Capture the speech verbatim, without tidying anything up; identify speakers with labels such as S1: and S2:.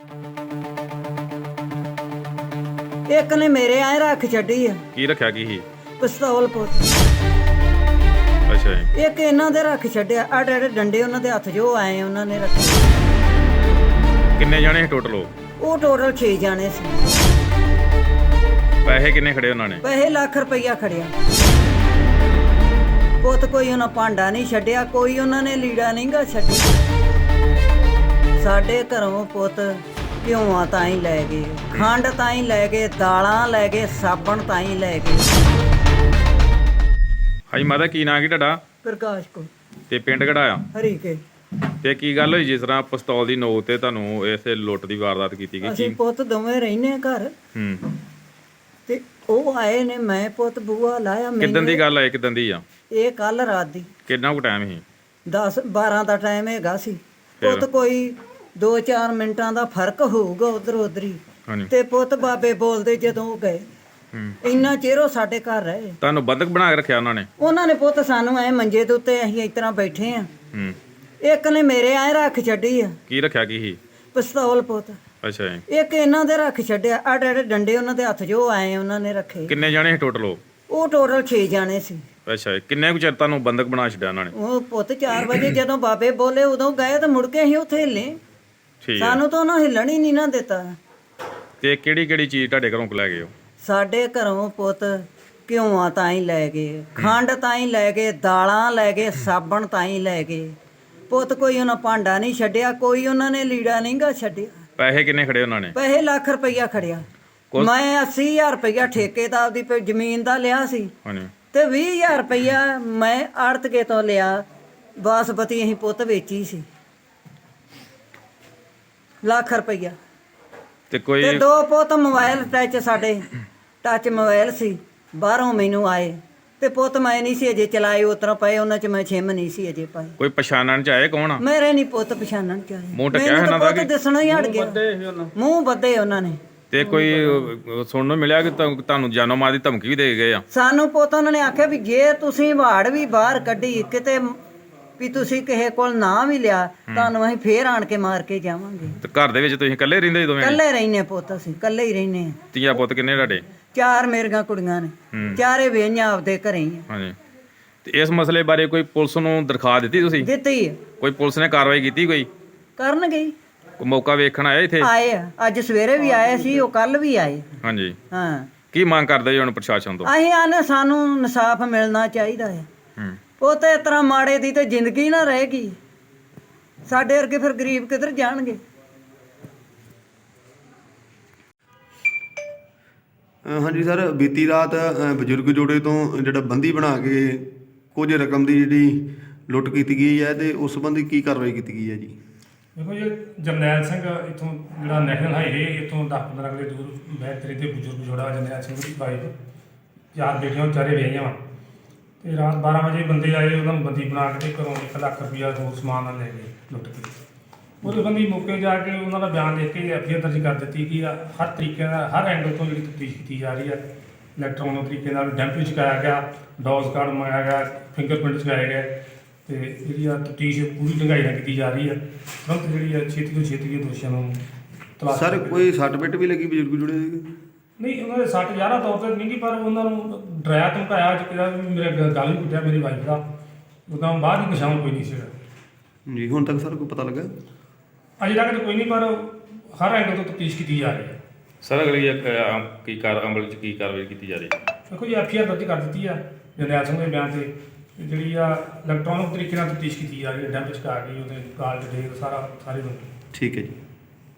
S1: ਇੱਕ ਨੇ ਮੇਰੇ ਐ ਰੱਖ ਛੱਡੀ ਆ।
S2: ਕੀ ਰੱਖਿਆ ਕੀ ਸੀ?
S1: ਪਿਸਤੌਲ ਪੁੱਤ।
S2: ਅੱਛਾ ਜੀ।
S1: ਇੱਕ ਇਹਨਾਂ ਦੇ ਰੱਖ ਛੱਡਿਆ। ਆ ਡੇਡੇ ਡੰਡੇ ਉਹਨਾਂ ਦੇ ਹੱਥ ਜੋ ਆਏ ਉਹਨਾਂ ਨੇ ਰੱਖੇ।
S2: ਕਿੰਨੇ ਜਾਣੇ ਸੀ ਟੋਟਲ?
S1: ਉਹ ਟੋਟਲ ਛੇ ਜਾਣੇ ਸੀ।
S2: ਪੈਸੇ ਕਿੰਨੇ ਖੜੇ ਉਹਨਾਂ ਨੇ?
S1: ਪੈਸੇ ਲੱਖ ਰੁਪਈਆ ਖੜਿਆ ਪੁੱਤ। ਕੋਈ ਉਹਨਾਂ ਭਾਂਡਾ ਨਹੀਂ ਛੱਡਿਆ, ਕੋਈ ਉਹਨਾਂ ਨੇ ਲੀੜਾ ਨਹੀਂ ਗਾ ਛੱਡਿਆ। ਸਾਡੇ ਘਰੋਂ ਪੁੱਤ ਘਿਓਆਂ ਤਾਂ ਹੀ ਲੈ ਗਏ, ਖੰਡ ਤਾਂ ਹੀ ਲੈ ਗਏ, ਦਾਲਾਂ ਲੈ ਗਏ, ਸਾਬਣ ਤਾਂ ਹੀ ਲੈ ਗਏ।
S2: ਹਾਂਜੀ ਮਾਤਾ, ਕੀ ਨਾਂ ਕੀ ਤੁਹਾਡਾ?
S1: ਪ੍ਰਕਾਸ਼ ਕੋ।
S2: ਤੇ ਪਿੰਡ ਕਿਹੜਾ ਆ?
S1: ਹਰੀਕੇ।
S2: ਤੇ ਕੀ ਗੱਲ ਹੋਈ ਜਿਸ ਤਰ੍ਹਾਂ ਪਿਸਤੌਲ ਦੀ ਨੋਕ ਤੇ ਤੁਹਾਨੂੰ ਇਸੇ ਲੁੱਟ ਦੀ ਵਾਰਦਾਤ ਕੀਤੀ ਗਈ?
S1: ਅਸੀਂ ਪੁੱਤ ਦੋਵੇਂ ਰਹਿੰਦੇ ਘਰ।
S2: ਹੂੰ।
S1: ਤੇ ਉਹ ਆਏ ਨੇ, ਮੈਂ ਪੁੱਤ ਬੂਆ ਲਾਇਆ।
S2: ਕਿੱਦਣ ਦੀ ਗੱਲ ਹੈ? ਕਿੱਦਣ ਦੀ ਆ
S1: ਇਹ? ਕੱਲ ਰਾਤ ਦੀ।
S2: ਕਿੰਨਾ ਕੁ ਟਾਈਮ ਸੀ?
S1: ਦਸ ਬਾਰਾਂ ਦਾ ਟਾਈਮ ਹੈਗਾ ਸੀ ਪੁੱਤ। ਕੋਈ ਦੋ ਚਾਰ ਮਿੰਟਾਂ ਦਾ ਫਰਕ ਹੋਊਗਾ ਉਧਰ ਉਧਰ ਹੀ। ਤੇ ਪੁੱਤ ਬਾਬੇ ਬੋਲਦੇ ਜਦੋਂ ਉਹ ਗਏ, ਇੰਨਾ ਚਿਰ ਉਹ ਸਾਡੇ ਘਰ ਰਹੇ।
S2: ਤੁਹਾਨੂੰ ਬੰਦਕ ਬਣਾ ਕੇ ਰੱਖਿਆ ਉਹਨਾਂ ਨੇ?
S1: ਉਹਨਾਂ ਨੇ ਪੁੱਤ ਸਾਨੂੰ ਐ ਮੰਜੇ ਦੇ ਉੱਤੇ ਅਸੀਂ ਇਸ ਤਰ੍ਹਾਂ ਬੈਠੇ ਆ। ਇੱਕ ਨੇ ਮੇਰੇ ਐ ਰੱਖ ਛੱਡੀ ਆ।
S2: ਕੀ ਰੱਖਿਆ ਕੀ ਸੀ?
S1: ਪਿਸਤੌਲ ਪੁੱਤ।
S2: ਅੱਛਾ ਜੀ।
S1: ਇੱਕ ਇਹਨਾਂ ਦੇ ਰੱਖ ਛੱਡਿਆ। ਆ ਡੇਡੇ ਡੰਡੇ ਉਹਨਾਂ ਦੇ ਹੱਥ ਜੋ ਆਏ ਉਹਨਾਂ ਨੇ ਰੱਖੇ।
S2: ਕਿੰਨੇ ਜਾਣੇ ਸੀ ਟੋਟਲ?
S1: ਉਹ ਟੋਟਲ ਛੇ ਜਾਣੇ ਸੀ।
S2: ਅੱਛਾ ਜੀ। ਕਿੰਨੇ ਕੁ ਚਿਰ ਤੁਹਾਨੂੰ ਬੰਦਕ ਬਣਾ ਛੱਡਿਆ ਉਹਨਾਂ ਨੇ?
S1: ਉਹ ਪੁੱਤ ਚਾਰ ਵਜੇ ਜਦੋਂ ਬਾਬੇ ਬੋਲੇ ਉਦੋਂ ਗਏ ਤੇ ਮੁੜ ਕੇ ਅਸੀਂ ਉੱਥੇ ਹਿੱਲੇ। ਸਾਨੂੰ ਤਾਂ ਉਹਨਾਂ ਹਿੱਲਣ ਹੀ ਨਹੀਂ ਨਾ ਦਿੱਤਾ।
S2: ਤੇ ਕਿਹੜੀ ਕਿਹੜੀ ਚੀਜ਼ ਤੁਹਾਡੇ ਘਰੋਂ ਲੈ ਗਏ?
S1: ਸਾਡੇ ਘਰੋਂ ਪੁੱਤ ਘਿਓਆਂ ਤਾਂ ਹੀ ਲੈ ਗਏ, ਖੰਡ ਤਾਂ ਹੀ ਲੈ ਗਏ, ਦਾਲਾਂ ਲੈ ਗਏ, ਸਾਬਣ ਤਾਂ ਹੀ ਲੈ ਗਏ ਪੁੱਤ। ਕੋਈ ਉਹਨਾਂ ਭਾਂਡਾ ਨਹੀਂ ਛੱਡਿਆ, ਕੋਈ ਉਹਨਾਂ ਨੇ ਲੀੜਾ ਨਹੀਂ ਗਾ ਛੱਡਿਆ।
S2: ਪੈਸੇ ਕਿੰਨੇ ਖੜੇ ਉਹਨਾਂ ਨੇ?
S1: ਪੈਸੇ ਲੱਖ ਰੁਪਈਆ ਖੜਿਆ। ਮੈਂ ਅੱਸੀ ਹਜ਼ਾਰ ਰੁਪਈਆ ਠੇਕੇ ਦਾ ਆਪਦੀ ਜ਼ਮੀਨ ਦਾ ਲਿਆ ਸੀ ਤੇ ਵੀਹ ਹਜ਼ਾਰ ਰੁਪਈਆ ਮੈਂ ਆੜਤਕੇ ਤੋਂ ਲਿਆ। ਬਾਸਪਤੀ ਅਸੀਂ ਪੁੱਤ ਵੇਚੀ ਸੀ। ਲੱਖ ਰੁਪਈਆ।
S2: ਤੇ ਕੋਈ
S1: ਤੇ ਦੋ ਪੁੱਤ ਮੋਬਾਈਲ ਟੱਚ, ਸਾਡੇ ਟੱਚ ਮੋਬਾਈਲ ਸੀ, ਬਾਹਰੋਂ ਮੈਨੂੰ ਆਏ। ਤੇ ਪੁੱਤ ਮੈਂ ਨਹੀਂ ਸੀ ਅਜੇ ਚਲਾਏ, ਉਤਰਾ ਪਏ ਉਹਨਾਂ ਚ ਮੈਂ ਛਿਮ ਨਹੀਂ ਸੀ ਅਜੇ ਪਾਈ।
S2: ਕੋਈ ਪਛਾਣਨ ਚ ਆਏ ਕੌਣ ਆ?
S1: ਮੇਰੇ ਨਹੀਂ ਪੁੱਤ ਪਛਾਣਨ ਚ ਆਏ।
S2: ਮੂੰਹ ਟਕਿਆ ਇਹਨਾਂ ਦਾ ਕਿ
S1: ਦਿਸਣਾ ਹੀ ਹਟ ਗਿਆ। ਮੂੰਹ ਬੱਧੇ ਉਹਨਾਂ ਨੇ।
S2: ਤੇ ਕੋਈ ਸੁਣਨ ਨੂੰ ਮਿਲਿਆ ਕਿ ਤੁਹਾਨੂੰ ਜਾਨੋਂ ਮਾਰ ਦੀ ਧਮਕੀ ਵੀ ਦੇ ਗਏ ਆ?
S1: ਸਾਨੂੰ ਪੁੱਤ ਉਹਨਾਂ ਨੇ ਆਖਿਆ ਵੀ ਜੇ ਤੁਸੀਂ ਵਾੜ ਵੀ ਬਾਹਰ ਕੱਢੀ ਕਿਤੇ ਵੀ ਤੁਸੀਂ ਕਿਸੇ ਕੋਲ ਨਾ ਵੀ ਲਿਆ ਤੁਹਾਨੂੰ ਅਸੀਂ ਫੇਰ ਆਣ ਕੇ ਮਾਰ ਕੇ ਜਾਵਾਂਗੇ।
S2: ਤੇ ਘਰ ਦੇ ਵਿੱਚ ਤੁਸੀਂ ਇਕੱਲੇ ਰਹਿੰਦੇ ਦੋਵੇਂ?
S1: ਇਕੱਲੇ ਰਹਿੰਦੇ ਪੁੱਤ, ਅਸੀਂ ਇਕੱਲੇ ਹੀ ਰਹਿੰਦੇ ਆ।
S2: ਧੀਆ ਪੁੱਤ ਕਿੰਨੇ ਤੁਹਾਡੇ?
S1: ਚਾਰ ਮੇਰੀਆਂ ਕੁੜੀਆਂ ਨੇ, ਚਾਰੇ ਵੇਹੀਆਂ ਆਪਦੇ ਘਰੇ ਹੀ ਆ।
S2: ਹਾਂਜੀ। ਤੇ ਇਸ ਮਸਲੇ ਬਾਰੇ ਕੋਈ ਪੁਲਿਸ ਨੂੰ ਦਰਖਾਸਤ ਦਿੱਤੀ ਤੁਸੀਂ?
S1: ਦਿੱਤੀ।
S2: ਕੋਈ ਪੁਲਿਸ ਨੇ ਕਾਰਵਾਈ ਕੀਤੀ? ਕੋਈ
S1: ਕਰਨਗੇ।
S2: ਕੋਈ ਮੌਕਾ ਵੇਖਣ ਆਇਆ ਇੱਥੇ?
S1: ਆਏ ਆ, ਅੱਜ ਸਵੇਰੇ ਵੀ ਆਏ ਸੀ, ਉਹ ਕੱਲ ਵੀ ਆਏ।
S2: ਹਾਂਜੀ।
S1: ਹਾਂ।
S2: ਕੀ ਮੰਗ ਕਰਦੇ ਜੀ ਹੁਣ ਪ੍ਰਸ਼ਾਸਨ ਤੋਂ?
S1: ਅਸੀਂ ਆਨੇ ਸਾਨੂੰ ਇਨਸਾਫ ਮਿਲਣਾ ਚਾਹੀਦਾ ਹੈ। ਉਹ ਤੇ ਇਸ ਤਰ੍ਹਾਂ ਮਾੜੇ ਦੀ ਤੇ ਜ਼ਿੰਦਗੀ ਨਾ ਰਹੇਗੀ। ਸਾਡੇ ਵਰਗੇ ਫਿਰ ਗਰੀਬ ਕਿੱਧਰ ਜਾਣਗੇ?
S3: ਹਾਂਜੀ ਸਰ, ਬੀਤੀ ਰਾਤ ਬਜ਼ੁਰਗ ਜੋੜੇ ਤੋਂ ਜਿਹੜਾ ਬੰਦੀ ਬਣਾ ਕੇ ਕੁਝ ਰਕਮ ਦੀ ਜਿਹੜੀ ਲੁੱਟ ਕੀਤੀ ਗਈ ਹੈ ਤੇ ਉਸ ਸੰਬੰਧੀ ਕੀ ਕਾਰਵਾਈ ਕੀਤੀ ਗਈ ਹੈ ਜੀ?
S4: ਦੇਖੋ ਜੀ, ਜਰਨੈਲ ਸਿੰਘ ਇੱਥੋਂ ਜਿਹੜਾ ਨੈਸ਼ਨਲ ਹਾਈਵੇ ਇੱਥੋਂ ਦਸ ਪੰਦਰਾਂ ਕਿਲੇ ਦੂਰ ਬੈਤਰੀ ਤੇ ਬਜ਼ੁਰਗ ਜੋੜਾ ਜਰਨੈਲ ਸਿੰਘ ਦੀ ਵਾਈਫ, ਚਾਰ ਬੇਟੀਆਂ ਵਿਚਾਰੇ ਵਿਆਹੀਆਂ ਵਾ। ਤੇ ਰਾਤ ਬਾਰਾਂ ਵਜੇ ਬੰਦੇ ਆਏ, ਉਹਨਾਂ ਨੂੰ ਬੰਦੀ ਬਣਾ ਕੇ ਘਰੋਂ ਇੱਕ ਲੱਖ ਰੁਪਈਆ ਹੋਰ ਸਮਾਨ ਨਾਲ ਲੈ ਗਏ ਲੁੱਟ ਕੇ। ਉਹਦੇ ਬੰਦੀ ਮੌਕੇ ਜਾ ਕੇ ਉਹਨਾਂ ਦਾ ਬਿਆਨ ਦੇ ਕੇ ਐਫ ਆਈ ਆਰ ਦਰਜ ਕਰ ਦਿੱਤੀ ਕਿ ਹਰ ਤਰੀਕੇ ਨਾਲ ਹਰ ਐਂਗਲ ਤੋਂ ਜਿਹੜੀ ਤਫਤੀਸ਼ ਕੀਤੀ ਜਾ ਰਹੀ ਹੈ। ਇਲੈਕਟ੍ਰੋਨਿਕ ਤਰੀਕੇ ਨਾਲ ਡੈਂਪ ਚੁਕਾਇਆ ਗਿਆ, ਡੋਜ਼ ਕਾਰਡ ਮੰਗਾਇਆ ਗਿਆ, ਫਿੰਗਰਪ੍ਰਿੰਟ ਚੁਕਾਏ ਗਏ ਤੇ ਜਿਹੜੀ ਆ ਤਫਤੀਸ਼ ਪੂਰੀ ਢੰਗਾਈ ਨਾਲ ਕੀਤੀ ਜਾ ਰਹੀ ਹੈ। ਤੁਰੰਤ ਜਿਹੜੀ ਆ ਛੇਤੀ ਤੋਂ ਛੇਤੀ ਦੋਸ਼ੀਆਂ ਨੂੰ ਤਲਾਸ਼।
S3: ਸਰ ਕੋਈ ਸੱਟ ਪਿੱਟ ਵੀ ਲੱਗੀ ਬਜ਼ੁਰਗ ਜੋੜੇ ਦੀ?
S4: ਨਹੀਂ, ਉਹਨਾਂ ਦੇ ਸੱਟ ਜ਼ਿਆਦਾ ਤੌਰ ਤੇ ਨਹੀਂ ਗੀ, ਪਰ ਉਹਨਾਂ ਨੂੰ ਡਰਾਇਆ ਧਮਕਾਇਆ ਕਿ ਕਿਹਾ ਵੀ ਮੇਰੇ ਗਲ ਵੀ ਕੁੱਟਿਆ ਮੇਰੀ ਵਾਈਫ ਦਾ। ਉਹਦਾ ਬਾਅਦ ਹੀ ਨਿਸ਼ਾਨ ਕੋਈ ਨਹੀਂ ਸੀਗਾ
S3: ਜੀ। ਹੁਣ ਤੱਕ ਸਰ ਕੋਈ ਪਤਾ ਲੱਗਾ?
S4: ਅਜੇ ਤੱਕ ਤਾਂ ਕੋਈ ਨਹੀਂ, ਪਰ ਹਰ ਐਂਗਲ ਤੋਂ ਤਫਤੀਸ਼ ਕੀਤੀ ਜਾ ਰਹੀ ਹੈ।
S2: ਸਰ ਅਗਲੀ ਕੀ ਕਾਰ ਅਮਲ ਚ ਕੀ ਕਾਰਵਾਈ ਕੀਤੀ ਜਾ ਰਹੀ ਹੈ?
S4: ਦੇਖੋ ਜੀ, ਐਫ ਆਈ ਆਰ ਦਰਜ ਕਰ ਦਿੱਤੀ ਆ ਜਰਨੈਲ ਸਿੰਘ ਦੇ ਬਿਆਨ ਤੇ। ਜਿਹੜੀ ਆ ਇਲੈਕਟ੍ਰੋਨਿਕ ਤਰੀਕੇ ਨਾਲ ਤਫਤੀਸ਼ ਕੀਤੀ ਜਾ ਰਹੀ ਹੈ, ਡੈਂਪ ਚੁਕਾ ਕੇ ਉਹਦੇ ਕਾਲ ਡਿਟੇਲ ਸਾਰਾ ਸਾਰੇ ਨੂੰ।
S3: ਠੀਕ ਹੈ ਜੀ।